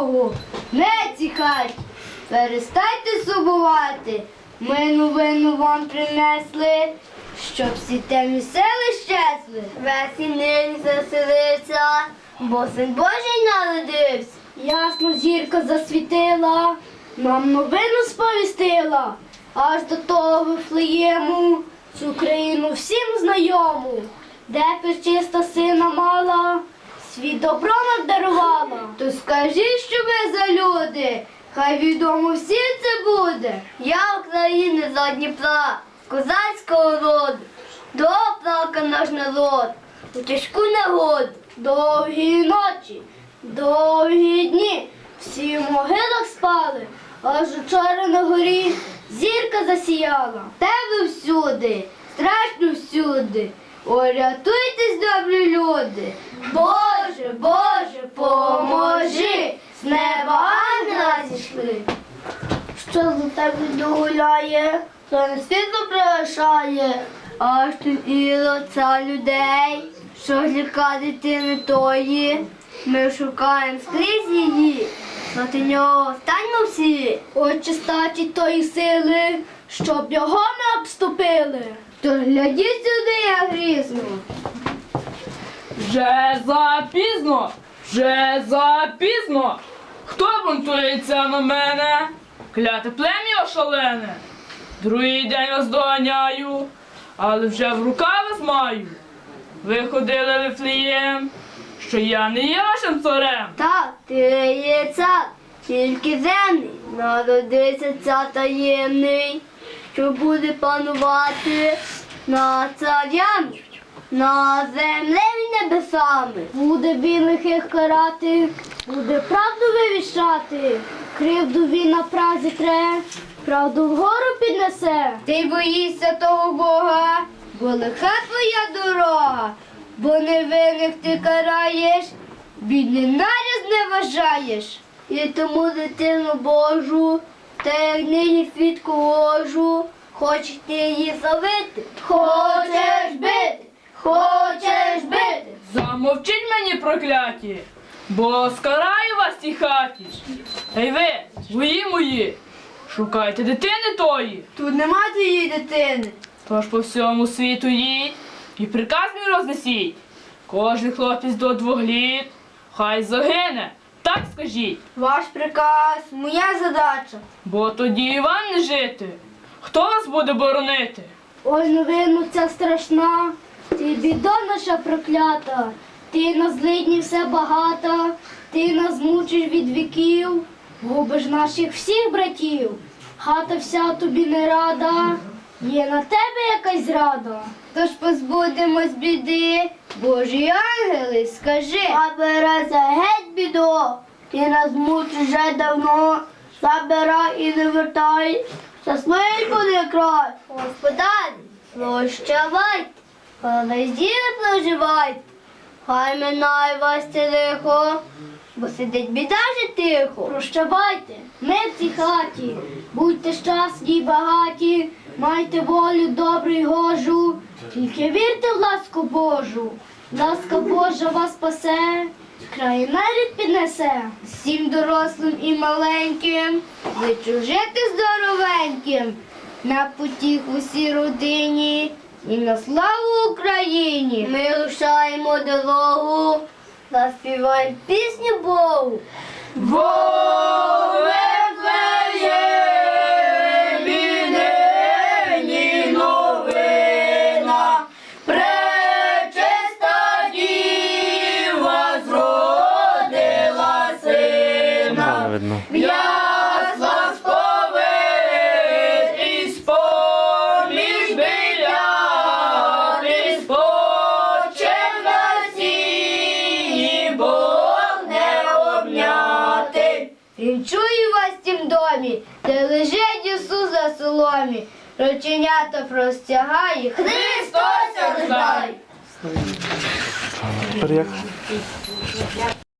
Богу, не цій хаті. Перестайте сумувати, ми новину вам принесли, щоб всі темні сили щезли. Весь і нині заселився, бо син Божий народився. Ясно зірка засвітила, нам новину сповістила, аж до того Вифлеєму, цю країну всім знайому, де пречиста сина мала, світ добро нам дарувала. То скажіть, що ви за люди, хай відомо всім це буде. Я України за Дніпра, козацького роду, доплака наш народ, у тяжку негоду. Довгі ночі, довгі дні, всі в могилах спали, аж учора на горі зірка засіяла. Тебе всюди, страшно всюди, ой, рятуйтесь, добрі люди. Боже, Боже, поможи, з неба ангела зійшли. Що за тебе гуляє, то на світло пригашає, аж тут і лиця людей, що ліка дитини тої, ми шукаємо скрізь її, проти нього станьмо всі. Отче статі тої сили, щоб його не обступили. Тож глядіть сюди, я грізно. Вже запізно, вже запізно. Хто бунтується на мене? Кляте плем'я шалене. Другий день вас доганяю, але вже в руках вас маю. Ви ходили в Вифлеєм, що я не є вашим царем. Так, ти є цар, тільки земний, народився цар таємний, що буде панувати над царями, на землі і небесами. Буде він лихих карати, буде правду вивіщати, кривду він на празі тре, правду вгору піднесе. Ти боїшся того Бога, бо лиха твоя дорога, бо невинних ти караєш, бідний наряд не вважаєш. І тому дитину Божу, та як нині свідку ложу, хочеш ти її завити, хочеш бити, хочеш бити. Замовчіть мені, прокляті, бо скараю вас в тій хаті. Ей ви, вої мої, шукайте дитини тої. Тут нема твоєї дитини. Тож по всьому світу їдь і приказ мій рознесіть. Кожен хлопець до 2 літ, хай загине, так скажіть. Ваш приказ, моя задача. Бо тоді і вам не жити. Хто вас буде боронити? Ой, новину ця страшна, ти біда наша проклята, ти на злидні все багата, ти нас мучиш від віків, губиш наших всіх братів, хата вся тобі не рада, є на тебе якась зрада. Тож позбудемось біди, Божі ангели, скажи. Забирайся геть, бідо, ти нас мучиш вже давно, забирай і не вертай, щасливий буде край. Господарі, прощавайте, але зділи проживайте, хай минає вас це лихо, бо сидить біда вже тихо. Прощавайте, ми в цій хаті, будьте щасні й багаті, майте волю добру й гожу, тільки вірте в ласку Божу. Ласка Божа вас спасе, край нарід піднесе. Всім дорослим і маленьким, зичу жити здоровеньким, на потіху всій родині і на славу Україні. Ми рушаємо дорогу, заспіваємо пісню Богу. Ясла сповит із поміж біляти, спочив на сіні, Бог не обняти. Він чує вас в тім домі, де лежить Ісус за соломі, рученята простягає, Христос рождає. Тепер як?